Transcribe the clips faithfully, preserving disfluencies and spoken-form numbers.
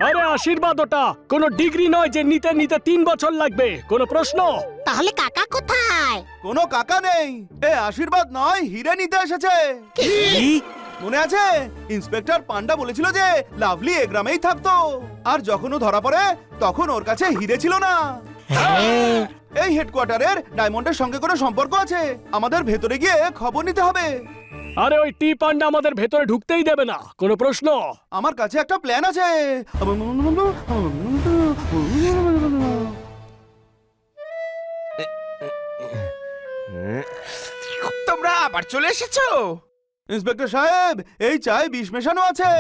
আরে আশীর্বাদ ওটা কোনো ডিগ্রি নয় যে নিতে নিতে তিন বছর লাগবে, কোনো প্রশ্ন? তাহলে কাকা কোথায়? কোনো কাকা নেই, এ আশীর্বাদ নয় হিরে নিতে এসেছে। মনে আছে ইন্সপেক্টর পান্ডা বলেছিল যে লাভলি এ গ্রামেই থাকতো, আর যখন ও ধরা পড়ে তখন ওর কাছে হিরে ছিল না। এই হেডকোয়ার্টারের ডায়মন্ডের সঙ্গে কোনো সম্পর্ক আছে, আমাদের ভেতরে গিয়ে খবর নিতে হবে। আরে ওই টি পান্ডা আমাদের ভেতরে ঢুকতেই দেবে না, কোনো প্রশ্ন? আমার কাছে একটা প্ল্যান আছে। তোমরা আবার চলে এসেছো? ইন্সপেক্টর সাহেব, এই চায় বিষ মেশানো আছে।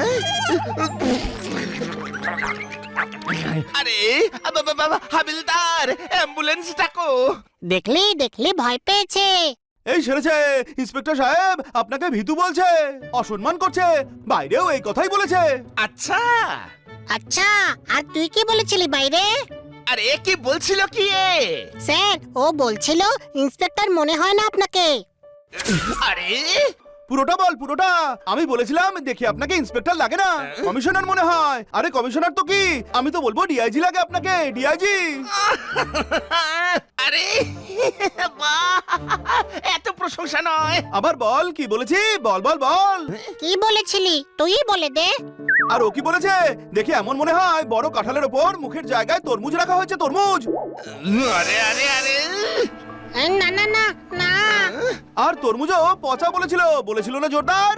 আরে আবা বাবা হাবিলদার, অ্যাম্বুলেন্স ডাকো। দেখলি দেখলি ভয় পেয়েছে। এই সেরেছে, ইন্সপেক্টর সাহেব আপনাকে ভীতু বলছে, অসম্মান করছে, বাইরেও এই কথাই বলেছে। আচ্ছা আচ্ছা, আর তুই কি বলেছিলি বাইরে? আরে কি বলছিল কি এ? স্যার, ও বলছিল ইন্সপেক্টর মনে হয় না আপনাকে। আরে পুরোটা বল, পুরোটা। আমি বলেছিলাম দেখি আপনাকে ইন্সপেক্টর লাগে না, কমিশনার মনে হয়। আরে কমিশনার তো কি, আমি তো বলবো ডিআইজি লাগে আপনাকে, ডিআইজি। আরে বাহ, এত প্রশংসা নয়। আবার বল কি বলেছি, বল বল বল। কি বলেছিলি তুই বলে দে। আর ও কি বলেছে দেখি, এমন মনে হয় বড় কাঁঠালের ওপর মুখের জায়গায় তরমুজ রাখা হয়েছে, তরমুজ। আরে আরে আরে এ, না না না না। আর তরমুজও পচা বলেছিল, বলেছিল না জোরদার?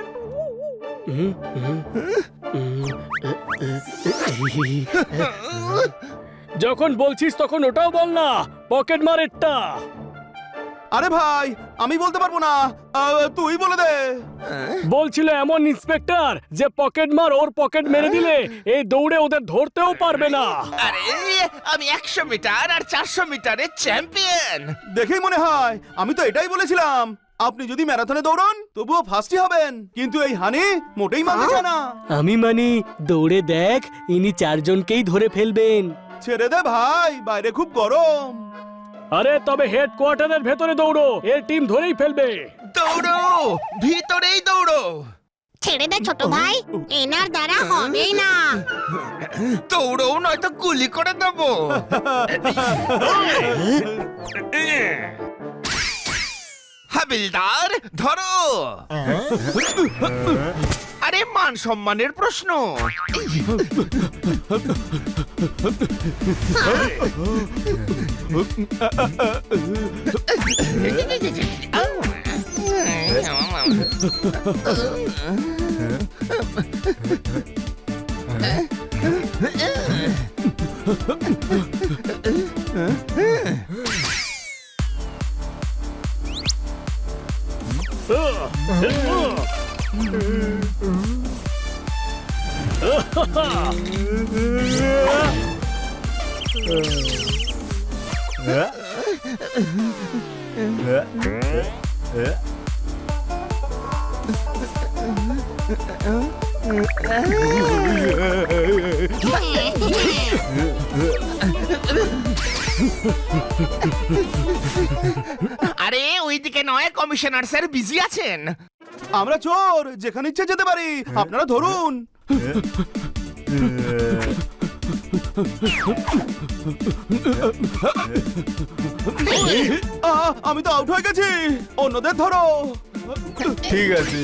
যখন বলছিস তখন ওটাও বল না, পকেট মারেরটা। আরে ভাই আমি বলতে পারবো না, আহ, তুই বলে দে। বলছিল এমন ইন্সপেক্টর যে পকেট মার ওর পকেট মেরে দিলে এই দৌড়ে ওদের ধরতেও পারবে না। আরে আমি একশো মিটার আর চারশো মিটারের চ্যাম্পিয়ন। দেখেই মনে হয়, আমি তো এটাই বলেছিলাম আপনি যদি ম্যারাথনে দৌড়ন তবুও ফার্স্টই হবেন, কিন্তু এই হানি মোটেই মানতে চায় না। আমি মানি, দৌড়ে দেখ ইনি চারজনকেই ধরে ফেলবেন। ছেড়ে দে ভাই, বাইরে খুব গরম। আরে তবে হেডকোয়ার্টারের ভেতরে দৌড়ো, এর টিম ধরেই ফেলবে। দৌড়ো, ভিতরেই দৌড়ো। ছেড়ে দে ছোট ভাই, এনার দ্বারা হবেই না। দৌড়ো নয়তো গুলি করে দেবো। হাবিলদার ধরো। আরে মান সম্মানের প্রশ্ন। আরে ওইদিকে নয়, কমিশনার স্যার বিজি আছেন। আমরা চোর, যেখানে ইচ্ছে যেতে পারি, আপনারা ধরুন। আহ, আমি তো আউট হয়ে গেছি, অন্যদের ধরো। ঠিক আছে।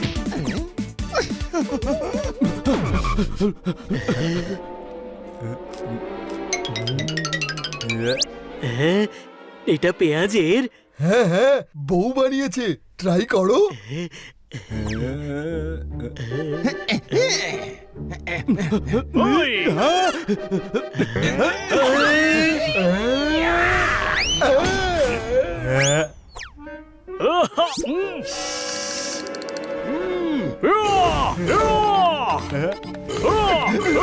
হ্যাঁ, এটা পেঁয়াজের। হ্যাঁ হ্যাঁ, বউ বানিয়েছে, ট্রাই করো। ওই, আহা, উম। উম, উয়া, উয়া, উয়া,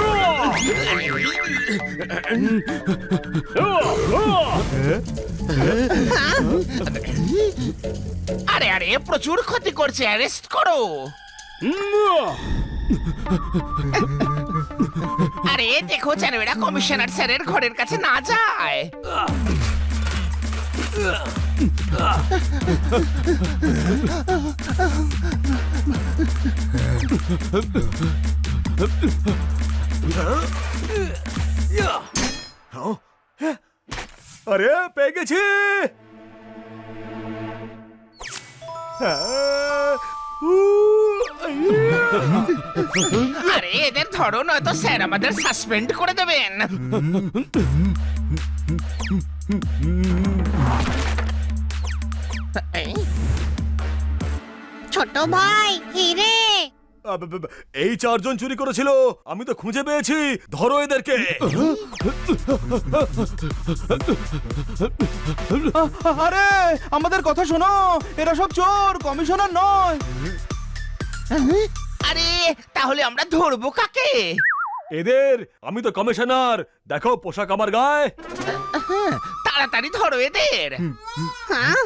উয়া, উয়া। আরে আরে প্রচুর ক্ষতি করছে, অ্যারেস্ট করো। উম, আরে দেখো যেন এরা কমিশনার স্যারের ঘরের কাছে না যায়। আরে পেয়ে গেছি। আরে এদের ধরো নয়তো স্যার আমাদের সাসপেন্ড করে দেবেন। এই, ছোট ভাই হিরে এই চারজন চুরি করেছিল, আমি তো খুঁজে পেয়েছি, ধরো এদেরকে। আরে আমাদের কথা শোনো, এরা সব চোর, কমিশনার নয়। আরে তাহলে আমরা ধরবো কাকে? এদের আমি তো কমিশনার, দেখো পোশাক আমার গায়ে। তাড়াতাড়ি ধরো এদের। হ্যাঁ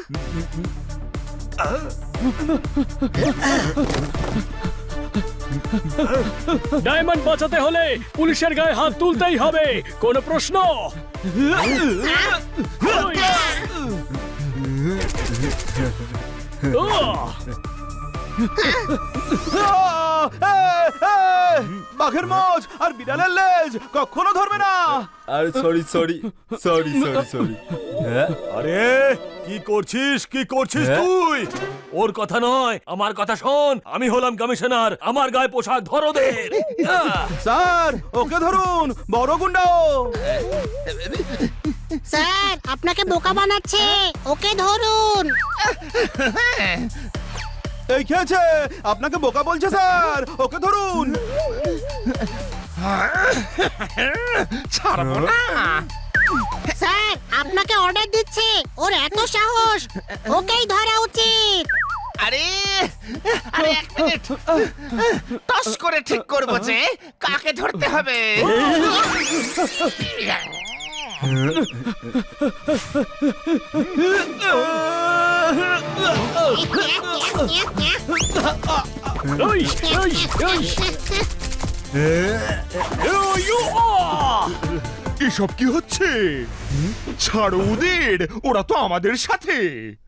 ডায়মন্ড বাঁচাতে হলে পুলিশের গায়ে হাত তুলতেই হবে, কোনো প্রশ্ন? আহ! এ, এ, বাঘের মোজ আর বিড়ালের লেজ কখনো ধরবে না। আরে sorry sorry sorry sorry sorry হ্যাঁ আরে কি করছিস, কি করছিস হ্যাঁ? তুই? ওর কথা নয়, আমার কথা শোন। আমি হলাম কমিশনার, আমার গায়ে পোশাক ধরো দে। স্যার ওকে ধরুন, বড় গুন্ডাও। স্যার আপনাকে বোকা বানাচ্ছে, ওকে ধরুন। এই খেয়েছে, আপনাকে বোকা বলছে স্যার, ওকে ধরুন। ছাড়বো না। স্যার আপনাকে অর্ডার দিচ্ছে, ওর এত সাহস, ওকেই ধরা উচিত। আরে আরে এক মিনিট, টস করে ঠিক করবো যে কাকে ধরতে হবে। ওই, ওই, ওই। এসব কি হচ্ছে? ছাড়ো ওদের, ওরা তো আমাদের সাথে।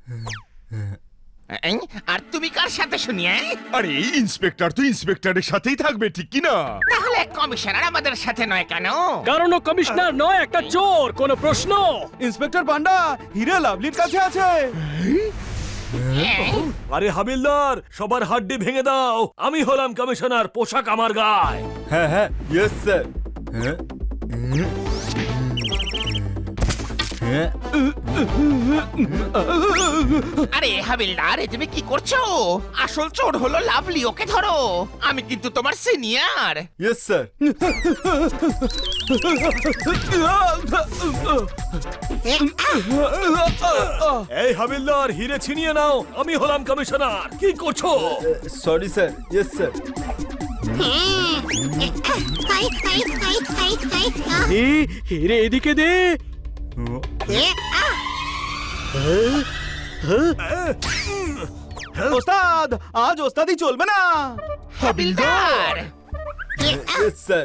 এই, আর তুমি কার সাথে শুনি? এই? আরে ইন্সপেক্টর তো ইন্সপেক্টরের সাথেই থাকবে, ঠিক কি না? তাহলে কমিশনার আমাদের সাথে নয় কেন? কারণ ও কমিশনার নয়, একটা চোর, কোনো প্রশ্ন? ইন্সপেক্টর পান্ডা হিরে লাভলির কাছে আছে। এই, আরে হাবিলদার, সবার হাড্ডি ভেঙে দাও, আমি হলাম কমিশনার, পোশাক আমার গায়ে। হ্যাঁ হ্যাঁ ইয়েস স্যার হ্যাঁ হ্যাঁ আরে হাবিলদার, এ তুমি কি করছো? আসল চোর হলো লাভলি, ওকে ধরো। আমি কিন্তু তোমার সিনিয়র। ইয়েস স্যার এই হাবিলদার, হিরে ছিনিয়ে নাও, আমি হলাম কমিশনার। কি করছো? Sorry sir yes sir hi hi hi hi hi হিরে এদিকে দে। ওস্তাদ আজ ওস্তাদি চলবে না। হাবিলদার ইয়েস স্যার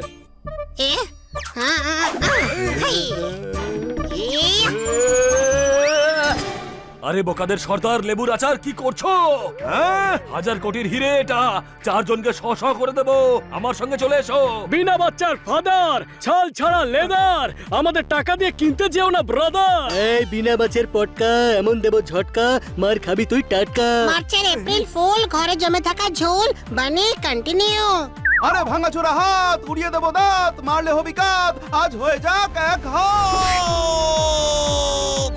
আরে বোকাদের সর্দার, লেবুর আচার কি করছো? হ্যাঁ? হাজার কোটির হিরে এটা, চারজনকে শ শ করে দেবো, আমার সঙ্গে চলে এসো। বিনা বাচ্চার ফাদার, ছাল ছাড়া লেদার, আমাদের টাকা দিয়ে কিনতে যেও না ব্রাদার। এই বিনা মাছের পটকা এমন দেব ঝটকা, মার খাবি তুই টাটকা। মার্চের এপ্রিল ফুল, ঘরে জমে থাকা ঝোল, বানি কন্টিনিউ। আরে ভাঙা চোরা হাত, উড়িয়ে দেবো দাঁত, মারলে হবি কাত, আজ হয়ে যাক এক হাত।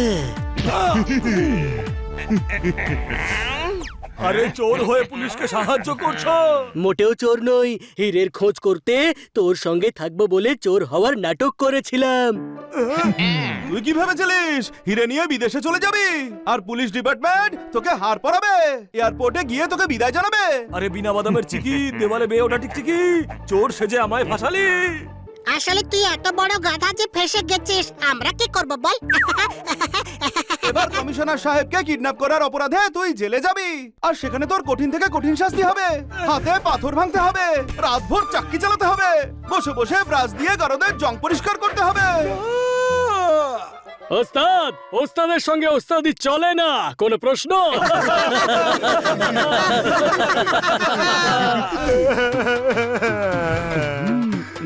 আরে চোর হয়ে পুলিশকে সাহায্য করছো? মোটেও চোর নই, হীরের খোঁজ করতে তোর সঙ্গে থাকবো বলে চোর হওয়ার নাটক করেছিলাম। তুই কি ভেবেছিলিস হিরে নিয়ে বিদেশে চলে যাবি আর পুলিশ ডিপার্টমেন্ট তোকে হার পরাবে, এয়ারপোর্টে গিয়ে তোকে বিদায় জানাবে? আরে বিনা বাদামের চিকি, দেওয়ালে বেয়ে ওঠা টিকটিকি, চোর সেজে আমায় ফাঁসালি। আসলে তুই এত বড় গাধা যে ফেসে গেছিস, আমরা কি করব বল? এবার কমিশনার সাহেবকে কিডন্যাপ করার অপরাধে তুই জেলে যাবি, আর সেখানে তোর কঠিন থেকে কঠিন শাস্তি হবে। হাতে পাথর ভাঙতে হবে, রাতভর চাক্কি চালাতে হবে, বসে বসে ব্রাশ দিয়ে গারদের জং পরিষ্কার করতে হবে। ওস্তাদ, ওস্তাদের সঙ্গে ওস্তাদি চলে না, কোনো প্রশ্ন?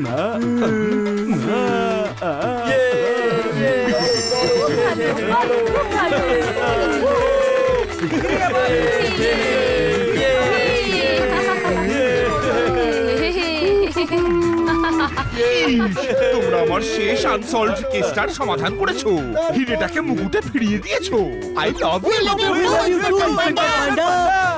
ইস, তোমরা আমার শেষ আনসলভড কেসটার সমাধান করেছো, হিরেটাকে মুকুটে ফিরিয়ে দিয়েছো। I love you. পান্ডা